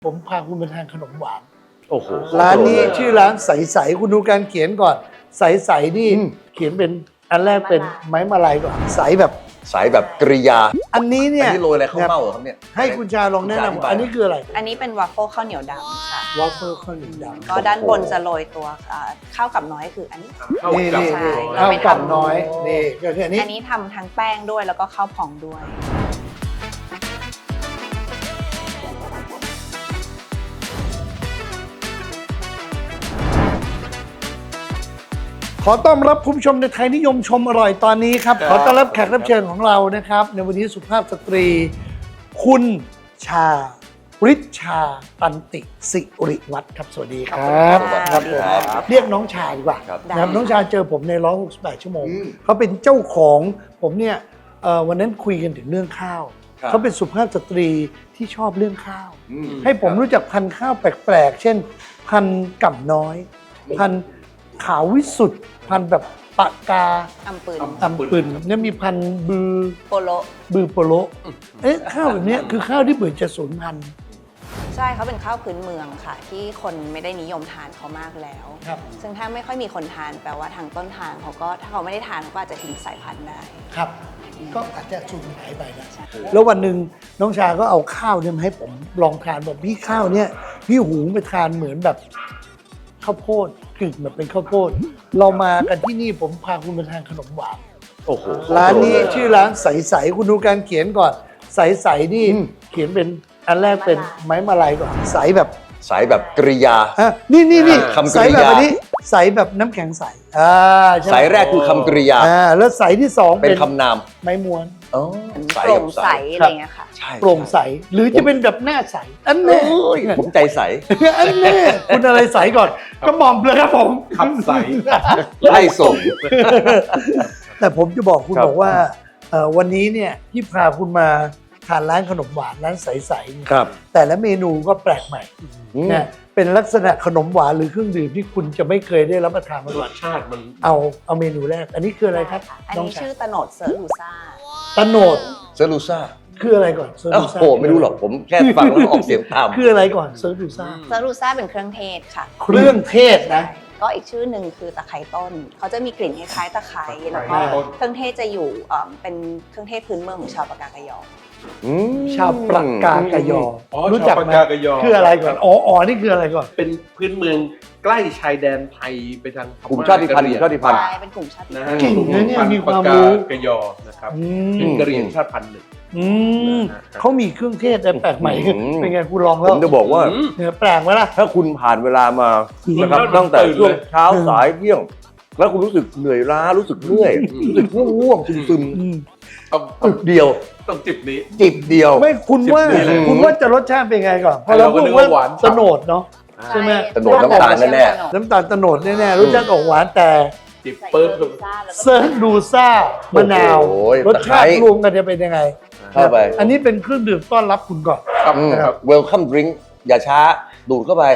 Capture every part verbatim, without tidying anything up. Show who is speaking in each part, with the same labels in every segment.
Speaker 1: ผมพาคุณไปทานขนมหวาน
Speaker 2: โอ้โห
Speaker 1: ร้านนี้ชื่อร้านใสๆคุณดูการเขียนก่อนใสๆนี่เขียนเป็นอันแรกเป็นไม้มาลัยก่อนใสแบบ
Speaker 2: สายแบบกริยา
Speaker 1: อันนี้เนี่ย
Speaker 2: อันนี้โรยอะไรข้าวเม่าเหรอครับเนี่ย
Speaker 1: ให้คุณชาลองแนะนำอันนี้คืออะไร
Speaker 3: อันนี้เป็นวาฟเฟิลข้าวเหนียวดำค่ะ
Speaker 1: วอฟเฟิลข้าวเหนียวดำ
Speaker 3: ก็ด้านบนจะโรยตัวอ่าข้าวกับน้อยคืออันนี้
Speaker 1: นี่นี่
Speaker 3: ใช่
Speaker 1: นี่
Speaker 3: เรา
Speaker 1: ข้าว
Speaker 3: ไม่
Speaker 1: กับ
Speaker 3: ทำ
Speaker 1: น้อยนี่ก็คืออันนี้
Speaker 3: อันนี้ทำทั้งแป้งด้วยแล้วก็ข้าวพองด้วย
Speaker 1: ขอต้อนรับคุณผู้ชมในไทยนิยมชมอร่อยตอนนี้ครับ ขอต้อนรับแขกรับเชิญของเรานะครับ ในวันนี้สุภาพสตรี คุณชาฤทชาตันติสิริวัฒน์ครับสวัสดีครับ
Speaker 3: สวัสดี
Speaker 1: ครับ
Speaker 3: ครับ
Speaker 1: เรียกน้องชาดีกว่า
Speaker 2: ครับ
Speaker 1: นะครับ
Speaker 3: ได้
Speaker 1: น้องชาเจอผมในหนึ่งร้อยหกสิบแปดชั่วโมงเขาเป็นเจ้าของผมเนี่ยเอ่อวันนั้นคุยกันถึงเรื่องข้าว
Speaker 2: ครับ
Speaker 1: เขาเป็นสุภาพสตรีที่ชอบเรื่องข้าว
Speaker 2: อืม
Speaker 1: ให้ผมรู้จักพันธุ์ข้าวแปลกๆ เช่น พันธุ์ก่ำน้อย พันธุ์ขาววิสุทธ์พันธุ์แบบปากกา
Speaker 3: อัมปืน
Speaker 1: ตำปืนเนี่ยมีพันธุ์บือ
Speaker 3: โปโล
Speaker 1: บือโปโลเอ๊ะข้าวแบบเนี้ยคือข้าวที่เหมือนจะสูญพันธุ์
Speaker 3: ใช่เขาเป็นข้าวพื้นเมืองค่ะ ที่คนไม่ได้นิยมทานเขามากแล้ว
Speaker 1: ครับ
Speaker 3: ซึ่งถ้าไม่ค่อยมีคนทานแปลว่าทางต้นทางเขาก็ถ้าเขาไม่ได้ทานเขาก็อาจจะทิ้งสายพันธุ์ได้
Speaker 1: ครับ ก็อาจจะสูญหายไปนะ
Speaker 3: ใช่
Speaker 1: แล้ววันหนึ่งน้องชาก็เอาข้าวเนี่ยมาให้ผมลองทานบอกพี่ข้าวเนี่ยพี่หุงไปทานเหมือนแบบข้าวโพดกึ่งแบบเป็นข้าวโพด เรามากันที่นี่ผมพาคุณไปทานขนมหวาน
Speaker 2: โอ้โห
Speaker 1: ร้านนี้ชื่อร้านใสๆคุณดูการเขียนก่อนใสๆนี่เขียนเป็นอันแรกเป็นไม้มาลัยก่อนใสแบบ
Speaker 2: สายแบบกริยา
Speaker 1: อ่ะนี่นี่นี่
Speaker 2: คำก
Speaker 1: ใส
Speaker 2: ริ
Speaker 1: แบบ
Speaker 2: ยา
Speaker 1: อันนี้ใสแบบน้ำแข็งใสอ่าใช่ไหม
Speaker 2: สายแรกคือคำกริยา
Speaker 1: อ่าแล้วใสที่สอง
Speaker 2: เป็
Speaker 1: เป็น น
Speaker 2: คำนาม
Speaker 1: ไม้ม้วน
Speaker 2: อ๋อสาย
Speaker 3: โปร่
Speaker 2: กับ
Speaker 3: ง
Speaker 2: สา
Speaker 3: ใส
Speaker 2: ย
Speaker 3: อะไรเงี้ยค่ะ
Speaker 2: ใช่
Speaker 1: โปร่งใสหรือจะเป็นแบบหน้าใสอัน
Speaker 2: โอ้
Speaker 1: นี้
Speaker 2: ยผมใจใส
Speaker 1: อันนี้คุณอะไรใสก่อนกระหม่อมเลยครับผม
Speaker 4: ขับใส
Speaker 2: ไล่ส่ง
Speaker 1: แต่ผมจะบอกคุณ
Speaker 2: ครับ
Speaker 1: บอกว่าเอ่อวันนี้เนี่ยที่พาคุณมาทานร้านขนมหวานร้านใสๆเนี่ย
Speaker 2: ครับ
Speaker 1: แต่ละเมนูก็แปลกใหม่
Speaker 2: อืม
Speaker 1: นะเป็นลักษณะขนมหวานหรือเครื่องดื่มที่คุณจะไม่เคยได้รับประทานมาก่
Speaker 4: ร
Speaker 1: อน
Speaker 4: สชาติมัน
Speaker 1: เอาเอาเมนูแรก อันนี้คืออะไรครับ
Speaker 3: อัน
Speaker 1: น้อง
Speaker 3: นี้
Speaker 1: ชา
Speaker 3: ชื่อตะโหนดเซอร์ลูซ่า
Speaker 1: ตะโหนด
Speaker 2: เซอร์ลูซ่า
Speaker 1: คืออะไรก่อนเซอร์
Speaker 2: โอ้
Speaker 1: ดูซ่า
Speaker 2: โหไม่รู้หรอกผมแค่ฟังแล้วออกเสียงตาม
Speaker 1: คืออะไรก่อนเซอร์ดูซ่า
Speaker 3: เซอร์ลูซ่าเป็นเครื่องเทศค่ะ
Speaker 1: เครื่องเทศนะ
Speaker 3: ก็อีกชื่อหนึ่งคือตะไคร้ต้น เขาจะมีกลิ่นคล้ายๆตะไคร้แล้วก็
Speaker 1: ตะไคร้ต้น
Speaker 3: เครื่องเทศจะอยู่เอ่อเป็นเครื่องเทศพื้นเมืองของชาวปากกากยอ
Speaker 2: อืม
Speaker 1: ชาวปากกากยอ
Speaker 4: อ๋อ
Speaker 1: รู้จักไหม
Speaker 4: ชาวปากกากยอ
Speaker 1: คืออะไรก่อนอ๋ออ๋อนี่คืออะไรก่อน
Speaker 4: เป็นพื้นเมืองใกล้ชายแดนไทยไปทางพ
Speaker 2: กลุ่มชาติพันธุ์กลุ่มชาติพันธุ์
Speaker 3: ใช่เป็นกลุ่มชาติ
Speaker 4: นะ
Speaker 3: พัน
Speaker 4: ฮะ
Speaker 3: ธุ์
Speaker 1: เก่งนะเนี่ยมีความรู้
Speaker 4: ปากกากยอนะครับ
Speaker 1: อื
Speaker 4: เป็น
Speaker 1: ม
Speaker 4: กะเหรี่ยงชาติพันธุ์หนึ่ง
Speaker 1: อืม
Speaker 4: นะฮะ
Speaker 1: เขามีเครื่องเทศอะไรแปลกใหม่
Speaker 2: อืม
Speaker 1: เป็นไงคุณลอง
Speaker 2: ผ
Speaker 1: แล้ว
Speaker 2: มจะบอกว่า
Speaker 4: อืม
Speaker 1: เนี่ยแปลกไหมล่ะ
Speaker 2: ถ้าคุณผ่านเวลามานะครับ
Speaker 4: อืม
Speaker 2: ตั้งแต่
Speaker 4: ตื่น
Speaker 2: ช่วง
Speaker 4: เลย
Speaker 2: เช้าสายเที่ยง แล้วคุณรู้สึกเหนื่อยล้ารู้สึกเมื่อย
Speaker 4: อืม
Speaker 2: รู้สึกง่วงๆซึม
Speaker 1: อืม
Speaker 4: ต้อง
Speaker 2: ๆอึกเดียว
Speaker 4: ต้องจิบนี้
Speaker 2: จิบเดียว
Speaker 1: ไม่คุณว่า
Speaker 4: สิบปีเลย
Speaker 1: คุณว่าจะรสชาติเป็นไงก่อนพอ
Speaker 4: เรา
Speaker 1: เรา
Speaker 4: ก็
Speaker 1: พูด
Speaker 4: นึก
Speaker 1: ว่า
Speaker 4: ว่าหวาน
Speaker 1: ตะโหนดเนาะ ใช่ไหม
Speaker 2: ตะโหนดน้ำตาลแน่
Speaker 1: น้ำตาลตะโหนดแน่ๆรสชาติออกหวานแต่
Speaker 4: จิบ
Speaker 3: ใส่
Speaker 4: เปิ้ล
Speaker 3: เซอร์ลูซ่าแล้วก็
Speaker 1: เซิร์ฟดูซ่ามะนาว
Speaker 2: โอ้ย
Speaker 1: รสชาติ
Speaker 2: ตะไคร้
Speaker 1: รวมกันจะเป็นยังไง
Speaker 2: เข้าไป
Speaker 1: อันนี้เป็นเครื่องดื่มต้อนรับคุณก่อน
Speaker 4: ครับ
Speaker 2: อืม
Speaker 4: ครับ
Speaker 2: welcome drink อย่าช้า ดูดเข้าไป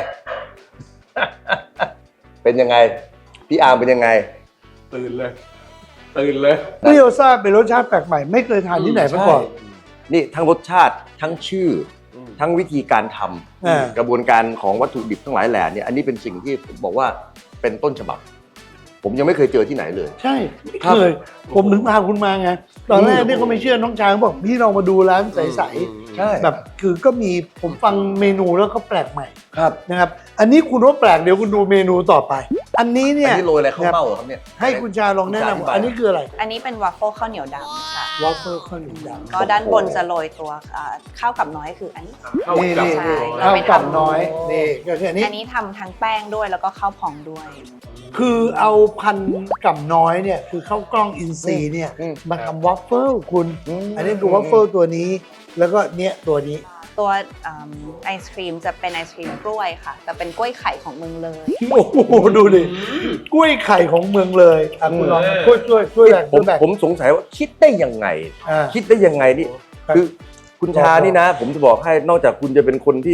Speaker 2: เป็นยังไง พี่อาร์มเป็นยังไง
Speaker 4: ตื่นเลย ตื่นเลย
Speaker 1: เปรี้ยวซ่าเป็นรสชาติแปลกใหม่ไม่เคยทานที่ไหนมาก่อน
Speaker 2: นี่ทั้งรสชาติทั้งชื่อ
Speaker 4: อืม
Speaker 2: ทั้งวิธีการท
Speaker 1: อ่า
Speaker 2: ำกระบวนการของวัตถุดิบทั้งหลายแหล่เนี่ยอันนี้เป็นสิ่งที่ผมบอกว่าเป็นต้นฉบับ ผมยังไม่เคยเจอที่ไหนเลย
Speaker 1: ใช่ไม่
Speaker 2: ครับ
Speaker 1: เคยผมถึงพาคุณมาไงตอนแรกเนี่ยก็ไม่เชื่อน้องชายเขาบอกพี่ลองมาดูร้านใส
Speaker 2: ใช่
Speaker 1: ๆแบบคือก็มีผมฟังเมนูแล้วก็แปลกใหม่
Speaker 2: ครับ
Speaker 1: นะครับ อันนี้คุณว่าแปลกเดี๋ยวคุณดูเมนูต่อไป อันนี้เนี่
Speaker 2: อัน
Speaker 1: ย
Speaker 2: นี้โรยอะไรข้าวเม่าเหรอครับเนี่ย
Speaker 1: ให้คุณชาลองแนะนำอันนี้คืออะไร
Speaker 3: อันนี้เป็นวาฟเฟิลข้าวเหนียวดำค่ะ
Speaker 1: วอฟเฟิลข้าวเหนียวดำ
Speaker 3: ก็ด้านบนจะโรยตัวอ่าข้าวกับน้อยคืออันนี้
Speaker 4: เข้า
Speaker 1: นี่
Speaker 4: กับ
Speaker 1: นี่
Speaker 3: ใช่
Speaker 1: นี่
Speaker 3: เรา
Speaker 1: ข้าว
Speaker 3: ไม่ทำ
Speaker 1: กับน้อยนี่ก็คืออันนี้
Speaker 3: อันนี้ทำทั้งแป้งด้วยแล้วก็ข้าวพองด้วย
Speaker 1: คือเอาพันธุ์กับน้อยเนี่ยคือข้าวกล้องอินทรีย์เนี่ย
Speaker 2: อืม
Speaker 1: มาทำวอฟเฟิลคุณ
Speaker 2: อืม
Speaker 1: อันนี้คือวอฟเฟิลตัวนี้ แล้วก็เนี้ยตัวนี้
Speaker 3: ตัวอืมไอศครีมจะเป็นไอศครีมกล้วยค่ะ แต่เป็นกล้วยไข่ของเมืองเลย
Speaker 1: โอ้โหดูดิกล้วยไข่ของเมืองเลยอ่ะคุณลองช่วยช่วยช่วยแบ่ง
Speaker 2: ผ
Speaker 1: ช่ว
Speaker 2: ม
Speaker 1: ยแบ่ง
Speaker 2: ผมสงสัยว่าคิดได้ยังไง
Speaker 1: อ่า
Speaker 2: คิดได้ยังไงนี่
Speaker 1: ครับ
Speaker 2: คือคุณชานี่นะ ผมจะบอกให้นอกจากคุณจะเป็นคนที่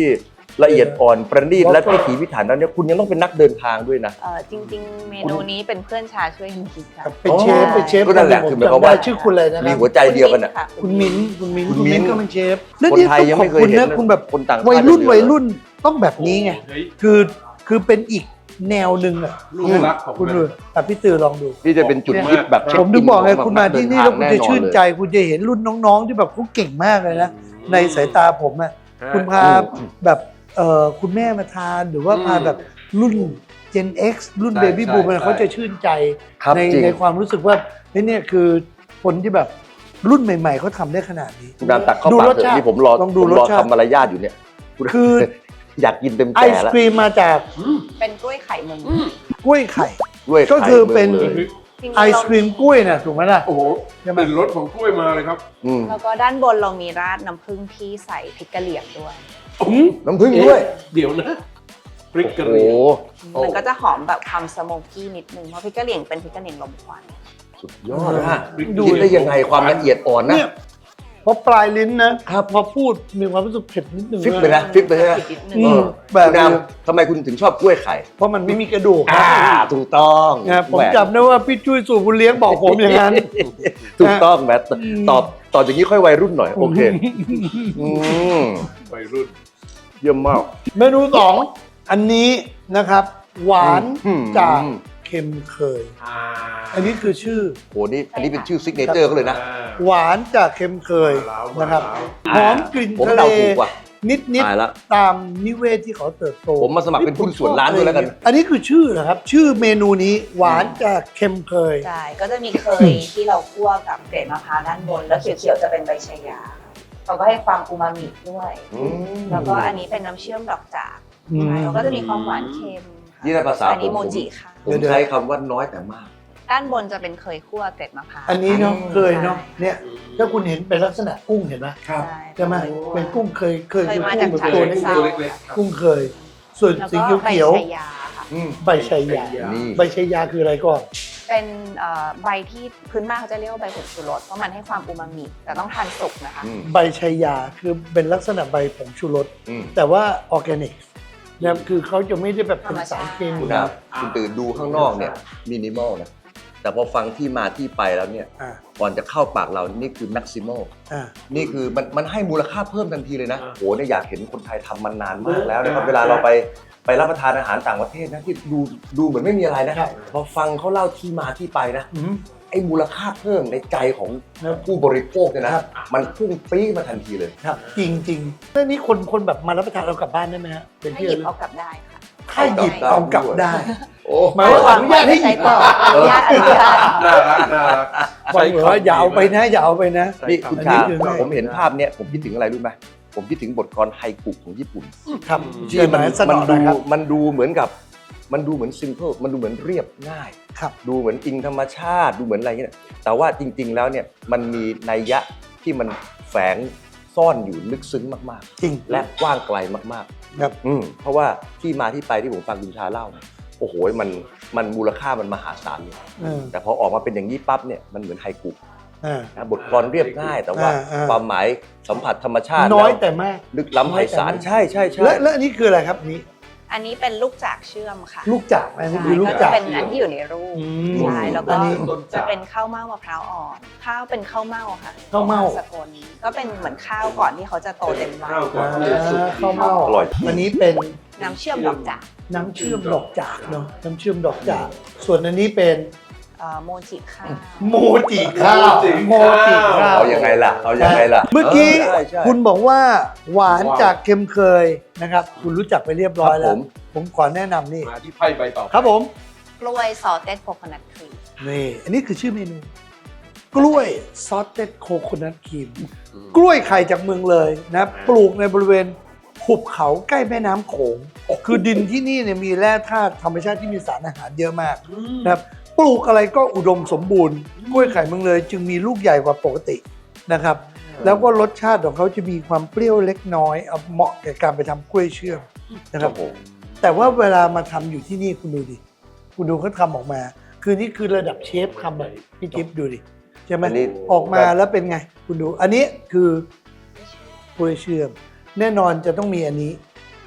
Speaker 2: ละเอียดอ่อนประณีตและพิถีพิถันแล้วเนี่ยคุณยังต้องเป็นนักเดินทางด้วยนะ
Speaker 3: เอ่อจริง ๆ เมนูนี้เป็นเพื่อนชาช่วยกันคิดค่ะ
Speaker 1: เป็นเชฟเป็นเชฟ
Speaker 2: ก็นั่นแหละ
Speaker 1: ผม
Speaker 2: คือหมายความ
Speaker 1: จำได้
Speaker 2: ว่า
Speaker 1: ชื่อคุณอะไรนะค
Speaker 2: มี
Speaker 1: รับ
Speaker 2: หัวใจเดียวกันอ่ะ
Speaker 1: คุณมิ้นท์คุณมิ้นท์
Speaker 2: คุณ
Speaker 1: คุณมิ้นท์
Speaker 2: มิ้นท์
Speaker 1: ก็เป็นเชฟแล้ว
Speaker 2: คน
Speaker 1: นี่
Speaker 2: ไทย
Speaker 1: ต้อง
Speaker 2: ยัง
Speaker 1: ขอ
Speaker 2: ไม่
Speaker 1: บ
Speaker 2: เคย
Speaker 1: คุณ
Speaker 2: เห็น
Speaker 1: นะ
Speaker 2: นะ
Speaker 1: คุณแบบ
Speaker 2: คนต่างชาติ
Speaker 1: วัยรุ่น
Speaker 2: เลย
Speaker 1: วัยรุ่นต้องแบบนี้ไง
Speaker 4: เฮ้ย
Speaker 1: คือคือเป็นอีกแนวหนึ่งอ่ะ
Speaker 4: ลูกรักของ
Speaker 1: คุณ
Speaker 4: แม่
Speaker 1: ดูอ่ะพี่ตือลองดู
Speaker 2: นี่จะเป็นจุดฮิตแบบเช็ค
Speaker 1: ผมถึงบอกไง
Speaker 2: อินข
Speaker 1: คุณมาที่นี่แล้วคุณจะชื่นใจ
Speaker 2: แอ
Speaker 1: คุณจะเห็นรุ่นน้องๆ ที่แบบเขาเก่งมากเลยนะ ในสายตาผมอ่ะคุณพาแบบเอ่อคุณแม่มาทานหรือว่าพาแบบรุ่น Gen X รุ่น
Speaker 4: ใช่
Speaker 1: Baby
Speaker 4: ใช่
Speaker 1: Boom
Speaker 4: ใช่
Speaker 1: เขาจะชื่นใจ
Speaker 2: ครับ
Speaker 1: ใน
Speaker 2: จริง
Speaker 1: ในความรู้สึกว่าเฮ้ยเนี่ยคือคนที่แบบรุ่นใหม่ ๆเขาทำได้ขนาดนี้
Speaker 2: คุณดามตักเข้า
Speaker 1: ดู
Speaker 2: ปาก
Speaker 1: รส
Speaker 2: เถ
Speaker 1: ชา
Speaker 2: อะ
Speaker 1: ติ
Speaker 2: นี่ผมรอ
Speaker 1: ลองดู
Speaker 2: ผมรอ
Speaker 1: รสชาติ
Speaker 2: ทำมารยาทอยู่เนี่ย
Speaker 1: คือ
Speaker 2: อยากกินเต็ม
Speaker 1: ไอ
Speaker 2: แก่
Speaker 1: ศ
Speaker 2: แล้ว
Speaker 1: ครีมมาจาก
Speaker 3: เป็นกล้วยไข่เมือง
Speaker 1: กล้วยไข่
Speaker 2: ด้วย
Speaker 1: ก็คือเป็น
Speaker 2: ไข่มืงเลย
Speaker 3: จริงๆ
Speaker 1: ไอศครีมกล้วยน่ะถูกไหมล่ะ
Speaker 4: โอ้โห
Speaker 1: ใช่ไหม
Speaker 4: เป็นรสของกล้วยมาเลยครับ
Speaker 2: อืม
Speaker 3: แล้วก็ด้านบนเรามีราดน้ำผึ้งที่ใส่พริกกะเหรี่ยงด้วย
Speaker 2: น้ำผึ้งด้วย
Speaker 4: เอ๊ะเดี๋ยวนะพริกกะเห
Speaker 2: โอ้
Speaker 4: รี่ยง
Speaker 2: โห
Speaker 3: มันก็จะหอมแบบความสโมกกี้นิดนึงเพราะพริกกะเหรี่ยงเป็นพริกกะเหรี่ยงลมควัน
Speaker 2: สุดยอดนะ
Speaker 1: ดู
Speaker 2: คิดได้ยังไงความละเอียดอ่อนนะ
Speaker 1: เนี่ยพอปลายลิ้นนะครับพอพูดมีความรู้สึกเผ็ดนิดนึง
Speaker 2: ฟิปเลยนะฟิปเลยนะ
Speaker 3: นิดนึง
Speaker 1: อื
Speaker 2: เอ
Speaker 1: ม
Speaker 2: อ
Speaker 1: แบบ
Speaker 2: คุณดามทำไมคุณถึงชอบกล้วยไข่
Speaker 1: เพราะมันไม่มีกระดูก
Speaker 2: อ่าถูกต้อง
Speaker 1: นะผม
Speaker 2: แหว
Speaker 1: จำได้ว่าพี่จุ้ยสู่บุญเลี้ยงบอกผมอย่างนั้น
Speaker 2: ถูกต้องแมทตอบตอบอย่างนี้ค่อยวัยรุ่นหน่อย โอเคอืม
Speaker 4: วัยรุ่น
Speaker 2: เยี่ยมมาก
Speaker 1: เมนูสองอันนี้นะครับ หวาน
Speaker 2: อืม
Speaker 1: จากเค็มเคย
Speaker 4: อ่า
Speaker 1: อันนี้คือชื่อ
Speaker 2: โหนี่อันนี้เป็นชื่อซิกเนเจอร์เขาเลยนะ
Speaker 1: หวานจากเค็มเคย
Speaker 4: มาแล้ว
Speaker 1: นะครับ
Speaker 4: มาแล้ว
Speaker 1: หอมกลิ่น
Speaker 2: ผม
Speaker 1: ทะเล
Speaker 2: เดาถูกว่ะ
Speaker 1: นิดนิด
Speaker 2: ตายละ
Speaker 1: ตามนิเวศที่เขาเติบโต
Speaker 2: ผมมาสมัครเป็นหุ้นส่วนร้านด้วยแล้วกัน
Speaker 1: อันนี้คือชื่อนะครับ ชื่อเมนูนี้หวานจากเค็มเคย
Speaker 3: ใช่ ก็จะมีเคยที่เราคั่วกับเกล็ดมะพร้าวด้านบน แล้วเขียวๆจะเป็นใบชายาเราก็ให้ความอูมามิด้วย
Speaker 2: อืม
Speaker 3: แล้วก็อันนี้เป็นน้ำเชื่อมดอกจาก
Speaker 1: อืม
Speaker 3: ใช่เราก็จะมีความหวานเค็มค่ะ
Speaker 2: นี่ในภาษา
Speaker 3: อันนี้
Speaker 2: ผม
Speaker 3: โมจิค่ะ
Speaker 2: ผมใช้คำว่าน้อยแต่มาก
Speaker 3: ด้านบนจะเป็นเคยคั่วเกล็ดมะพร้าว
Speaker 1: อันนี้เนาะเคยเนาะ
Speaker 3: ใช่
Speaker 1: เนี่ยถ้าคุณเห็นเป็นลักษณะกุ้งเห็นไหม
Speaker 3: ใช่
Speaker 1: ใช่ไหมเป็นกุ้งเคยเคย
Speaker 3: เคย
Speaker 1: คือ
Speaker 3: มา
Speaker 1: กุ้
Speaker 3: จาก
Speaker 1: งแบบ
Speaker 3: ฉะ
Speaker 1: ตัว
Speaker 3: เชิง
Speaker 1: เล็
Speaker 3: เทรา
Speaker 1: ก
Speaker 4: เล็กๆครับ
Speaker 1: ๆกุ้งเคย ส่วน
Speaker 3: แล้ว
Speaker 1: สี
Speaker 3: ก็
Speaker 1: เขียว
Speaker 3: ใบ
Speaker 1: เขียว
Speaker 3: ชายาค่ะ
Speaker 2: อืม
Speaker 1: ใบชายา
Speaker 2: นี่
Speaker 1: ใบชายาคืออะไรก่อน
Speaker 3: เป็นเอ่อใบที่พื้นบ้านเขาจะเรียกว่าใบผงชูรสเพราะมันให้ความอูมามิแต่ต้องทานสุกนะคะ
Speaker 2: อืม
Speaker 1: ใบชายาคือเป็นลักษณะใบผงชูรส
Speaker 2: อืม
Speaker 1: แต่ว่าออร์แกนิกนะครับคือเขาจะไม่ได้แบบเป็นสารเคมี
Speaker 2: คุณดาวคุณตื่นดูข้างนอกเนี่ยมินิมอลนะ แต่พอฟังที่มาที่ไปแล้วเนี่ย
Speaker 1: อ่า
Speaker 2: ก่อนจะเข้าปากเรานี่คือแม็กซิมอล
Speaker 1: อ่า
Speaker 2: นี่คือมันมันให้มูลค่าเพิ่มทันทีเลยนะ
Speaker 4: อ่า
Speaker 2: โหเนี่ยอยากเห็นคนไทยทำมันนานมากแล้วนะครับ เวลาเราไปไปรับประทานอาหารต่างประเทศนะที่ดูดูเหมือนไม่มีอะไรนะครับ พอฟังเขาเล่าที่มาที่ไปนะ
Speaker 1: อืม
Speaker 2: ไอ้มูลค่าเพิ่มในใจของ
Speaker 1: ครับ
Speaker 2: ผู้บริโภคเนี่ยนะครับ มันพุ่งปรี๊ดมาทันทีเลย
Speaker 1: ครับจริงจริงๆเรื่องนี้คนคนแบบมารับประทานเรากลับบ้านได้ไหมฮะเป็น
Speaker 3: ให้
Speaker 1: ที่
Speaker 3: หยิบ
Speaker 1: ระลึก
Speaker 3: เอากลับได้ค่ะ
Speaker 1: ถ้าหยิบเอากลับได้
Speaker 2: โอ้
Speaker 1: หมายว่าอนุญาตให้หยิบเปล่า
Speaker 3: อนุญาตอนุญาต
Speaker 4: น่ารักน่ารัก
Speaker 1: บอกเลยว่าอย่าเอาไปนะอย่าเอาไปนะ
Speaker 2: นี่คุณ
Speaker 1: อันนี้
Speaker 2: ชา
Speaker 1: คือง่าย
Speaker 2: ผมเห็นภาพเนี่ยผมคิดถึงอะไรรู้ไหมผมคิดถึงบทกลอนไฮกุของญี่ปุ่น
Speaker 1: ครับ
Speaker 2: ที่
Speaker 1: เชื่อ
Speaker 2: มัน
Speaker 1: ไหมสน
Speaker 2: มัน
Speaker 1: อ
Speaker 2: ดู
Speaker 1: นะครับ
Speaker 2: มันดูเหมือนกับ มันดูเหมือนซิมเพิลมันดูเหมือนเรียบง่าย
Speaker 1: ครับ
Speaker 2: ดูเหมือนอิงธรรมชาติดูเหมือนอะไรเงี้ยแต่ว่าจริง ๆ แล้วเนี่ยมันมีนัยยะที่มันแฝงซ่อนอยู่ลึกซึ้งมาก
Speaker 1: จริง
Speaker 2: ๆ และกว้างไกลมาก
Speaker 1: ครับ
Speaker 2: ๆอืมเพราะว่าที่มาที่ไปที่ผมฟังคุณชาเล่าเนี่ยโอ้โหมันมันมูลค่ามันมหาศาลเลย
Speaker 1: เออ
Speaker 2: แต่พอออกมาเป็นอย่างนี้ปั๊บเนี่ยมันเหมือนไฮกุ
Speaker 1: อ่า
Speaker 2: นะบทกลอนเรียบง่าย แต่ว่า
Speaker 1: อ่าอ่า
Speaker 2: ความหมายสัมผัสธรรมชาติ
Speaker 1: น้อย
Speaker 2: ล้ว
Speaker 1: แต่มาก
Speaker 2: ลึกล้ำไพศาล
Speaker 1: น้อยแต่มาก
Speaker 2: ใช่ใช่ใช่
Speaker 1: และและอันนี้คืออะไรครับอันนี้
Speaker 3: อันนี้เป็นลูกจากเชื่อมค่ะ
Speaker 1: ลูกจากอันนี้
Speaker 3: ใช่
Speaker 1: คือลูก
Speaker 3: ก็
Speaker 1: จา
Speaker 3: จะ
Speaker 1: ก
Speaker 3: เป็นอันที่อยู่ในรูป
Speaker 1: อืม
Speaker 3: ใช่แล้วก็
Speaker 1: อันนี้
Speaker 3: จะเป็นข้าวเม่ามะพร้าวอ่อน ข้าวเป็นข้าวเม่าค่ะ
Speaker 1: ข้าวเม่า
Speaker 3: สกลก็เป็นเหมือนข้าวก่อนที่เขาจะโตเต็มวัย
Speaker 4: ข้าวก่อน
Speaker 1: อ่าข้าวเม่า
Speaker 2: อร่อย
Speaker 1: อันนี้เป็น
Speaker 3: น้ำเชื่อมดอกจาก
Speaker 1: น้ำเชื่อมดอกจากเนาะน้ำเชื่อมดอกจากส่วนอันนี้เป็น
Speaker 3: เอ่อโมจิข้าว
Speaker 1: โมจิข้าวโมจิข้าว
Speaker 2: เอายังไงล่ะเอายังไงล่ะ
Speaker 1: เมื่อกี้
Speaker 2: ใช่ใช่
Speaker 1: คุณบอกว่าหวานจากเค็มเคยนะครับ คุณรู้จักไปเรียบร้อยแล้
Speaker 2: ครั
Speaker 1: ว
Speaker 2: บผม
Speaker 1: ผมขอแนะนำนี่
Speaker 4: มาที่ไพ่ใบต่อไป
Speaker 1: ครับผม
Speaker 3: กล้วยซอสเต็ดโคโคนัทครีม
Speaker 1: นี่อันนี้คือชื่อเมนู กล้วยซอสเต็ดโคโคนัทครีมกล้วยไข่จากเมืองเลยนะปลูกในบริเวณหุบเขาใกล้แม่น้ำโขง คือดินที่นี่เนี่ยมีแร่ธาตุธรรมชาติที่มีสารอาหารเยอะมากนะครับปลูกอะไรก็อุดมสมบูรณ์กล้วยไข่เมืองเลย จึงมีลูกใหญ่กว่าปกตินะครับ แล้วก็รสชาติของเขาจะมีความเปรี้ยวเล็กน้อยเอาเหมาะแก่การไปทำกล้วยเชื่อมนะครับ
Speaker 2: โอ้โห
Speaker 1: แต่ว่าเวลามาทำอยู่ที่นี่คุณดูดิ คุณดูเขาทำออกมา คือนี่คือระดับเชฟทำแบบพี่จิ๊บดูดิ ใช่ไหม
Speaker 2: อันนี้
Speaker 1: ออกมาแล้วเป็นไง คุณดู อันนี้คือกล้วยเชื่อม แน่นอนจะต้องมีอันนี้
Speaker 3: ใช่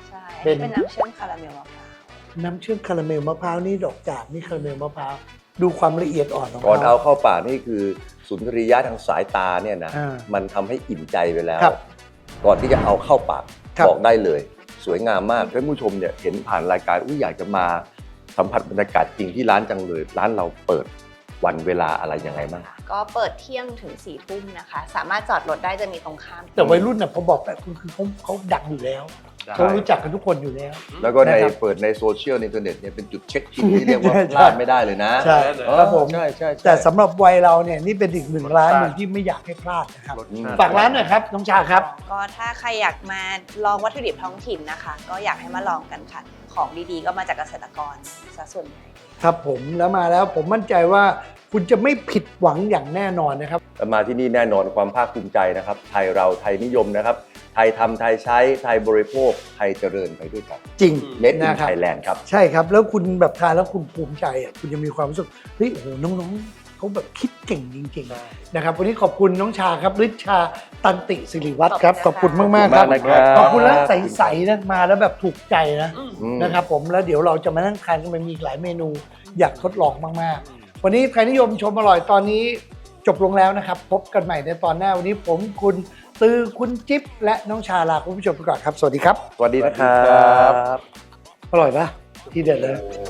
Speaker 1: เป็น
Speaker 3: เป็นน้ำเชื่อมคาราเมลมะพร้าว
Speaker 1: น้ำเชื่อมคาราเมลมะพร้าวนี่ดอกจากนี่คาราเมลมะพร้าวดูความละเอียดอ่อนของ
Speaker 2: ก่อน
Speaker 1: เขา
Speaker 2: เอาเข้าปากนี่คือสุนทรียะทางสายตาเนี่ยนะ
Speaker 1: อ่า
Speaker 2: มันทำให้อิ่มใจไปแล้ว
Speaker 1: ครับ
Speaker 2: ก่อนที่จะเอาเข้าปาก
Speaker 1: ครับ
Speaker 2: บอกได้เลย สวยงามมากท่านผู้ชมเนี่ยเห็นผ่านรายการอุ้ยอยากจะมาสัมผัสบรรยากาศจริงที่ร้านจังเลย ร้านเราเปิดวันเวลาอะไรยังไงบ้าง
Speaker 3: ก็เปิดเที่ยงถึงสี่ทุ่มนะคะ สามารถจอดรถได้จะมีตรงข้าม
Speaker 1: แต่วัยรุ่นน่ะพอบอกแบบคือเขาเขาดังอยู่แล้ว เขารู้จักกันทุกคนอยู่แล้ว
Speaker 2: แล้วก็ใน
Speaker 1: นะครับ
Speaker 2: เปิดในโซเชียลในอินเทอร์เน็ตเนี่ยเป็นจุดเช็คอินที่เรียกว่า
Speaker 1: ใช่
Speaker 2: พลาดไม่ได้เลยนะ
Speaker 1: ใช่
Speaker 2: เออ
Speaker 1: ครับผม
Speaker 2: ใช่ใช่ใช่
Speaker 1: แต่สำหรับวัยเราเนี่ยนี่เป็นอีกหนึ่งร้านหนึ่งที่ไม่อยากให้พลาดนะครับ
Speaker 4: รสชาติ
Speaker 1: ฝากร้านหน่อยครับน้องชาครับ
Speaker 3: ก็ถ้าใครอยากมาลองวัตถุดิบท้องถิ่นนะคะ ก็อยากให้มาลองกันค่ะ ของดีๆก็มาจากเกษตรกรซะส่วนใหญ่
Speaker 1: ครับผมแล้วมาแล้วผมมั่นใจว่าคุณจะไม่ผิดหวังอย่างแน่นอนนะครับ
Speaker 2: มาที่นี่แน่นอนความภาคภูมิใจนะครับ ไทยเราไทยนิยมนะครับ ไทยทำไทยใช้ไทยบริโภคไทยเจริญไปด้วยกัน
Speaker 1: จริง
Speaker 2: เม็ดอิน
Speaker 1: นะครับ
Speaker 2: ไทยแลนด์ครับ
Speaker 1: ใช่ครับ แล้วคุณแบบทานแล้วคุณภูมิใจอ่ะคุณจะมีความรู้สึกเฮ้ยโอ้โหน้องๆเขาแบบคิดเก่งจริงๆนะครับวันนี้ขอบคุณน้องชาครับฤทธิ์ชาตันติสิริวัฒน์ครับข
Speaker 3: ข
Speaker 1: อ
Speaker 3: อ
Speaker 1: บบ
Speaker 3: คุ
Speaker 1: คุณ
Speaker 3: ณ
Speaker 1: มากๆครับ
Speaker 2: ขอบคุณมากนะครับ
Speaker 1: ขอบคุณแล้วใสๆนะมาแล้วแบบถูกใจนะ
Speaker 2: อืม
Speaker 1: นะครับผมแล้วเดี๋ยวเราจะมานั่งทานกันมันมีอีกหลายเมนูอยากทดลองมากๆ วันนี้ใครนิยมชมอร่อยตอนนี้จบลงแล้วนะครับ พบกันใหม่ในตอนหน้าวันนี้ผมคุณตือคุณจิ๊บและน้องชาลาคุณผู้ชมไปก่อนครับ สวัสดีครับ
Speaker 2: สวัสดีนะครับ
Speaker 1: อร่อยปะทีเด็ดเลย
Speaker 2: โอ้